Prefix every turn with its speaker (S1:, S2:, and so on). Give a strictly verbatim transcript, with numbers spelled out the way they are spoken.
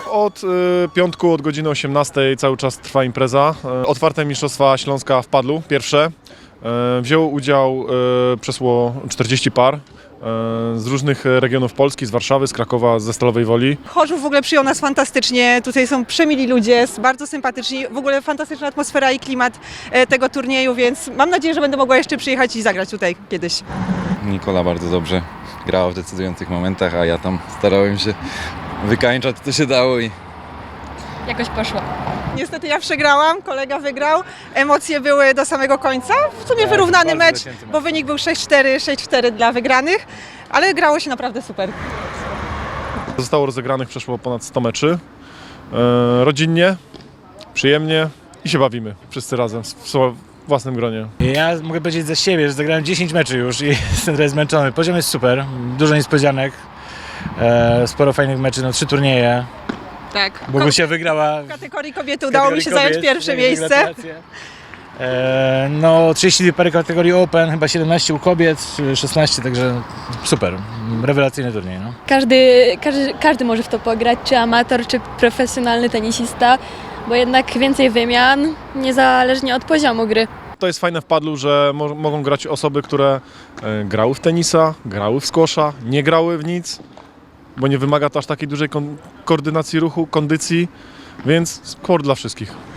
S1: Od y, piątku, od godziny osiemnastej cały czas trwa impreza. Y, otwarte Mistrzostwa Śląska w padlu, pierwsze. Y, wzięło udział y, przeszło czterdzieści par y, z różnych regionów Polski, z Warszawy, z Krakowa, ze Stalowej Woli.
S2: Chorzów w ogóle przyjął nas fantastycznie, tutaj są przemili ludzie, bardzo sympatyczni, w ogóle fantastyczna atmosfera i klimat e, tego turnieju, więc mam nadzieję, że będę mogła jeszcze przyjechać i zagrać tutaj kiedyś.
S3: Nikola bardzo dobrze grała w decydujących momentach, a ja tam starałem się wykańczać co się dało i
S4: Jakoś poszło.
S2: Niestety ja przegrałam, kolega wygrał, emocje były do samego końca, w sumie wyrównany mecz, bo wynik był sześć cztery, sześć cztery dla wygranych, ale grało się naprawdę super.
S1: Zostało rozegranych przeszło ponad sto meczy. Y, rodzinnie, przyjemnie i się bawimy wszyscy razem w swoim własnym gronie.
S5: Ja mogę powiedzieć za siebie, że zagrałem dziesięć meczy już i jestem trochę zmęczony. Poziom jest super, dużo niespodzianek, e, sporo fajnych meczy, no trzy turnieje.
S2: Tak.
S5: Bogusia wygrała
S2: W kategorii kobiety udało mi się
S5: kategorii
S2: zająć
S5: kobiet,
S2: pierwsze
S5: wielkie
S2: miejsce.
S5: gratulacje. E, no trzydzieści parę kategorii Open, chyba siedemnaście u kobiet, szesnaście, także super, rewelacyjny turniej. No.
S4: Każdy, każdy, każdy może w to pograć, czy amator, czy profesjonalny tenisista, bo jednak więcej wymian, niezależnie od poziomu gry.
S1: To jest fajne w padlu, że mo- mogą grać osoby, które e, grały w tenisa, grały w squasha, nie grały w nic, bo nie wymaga to aż takiej dużej kon- koordynacji ruchu, kondycji, więc sport dla wszystkich.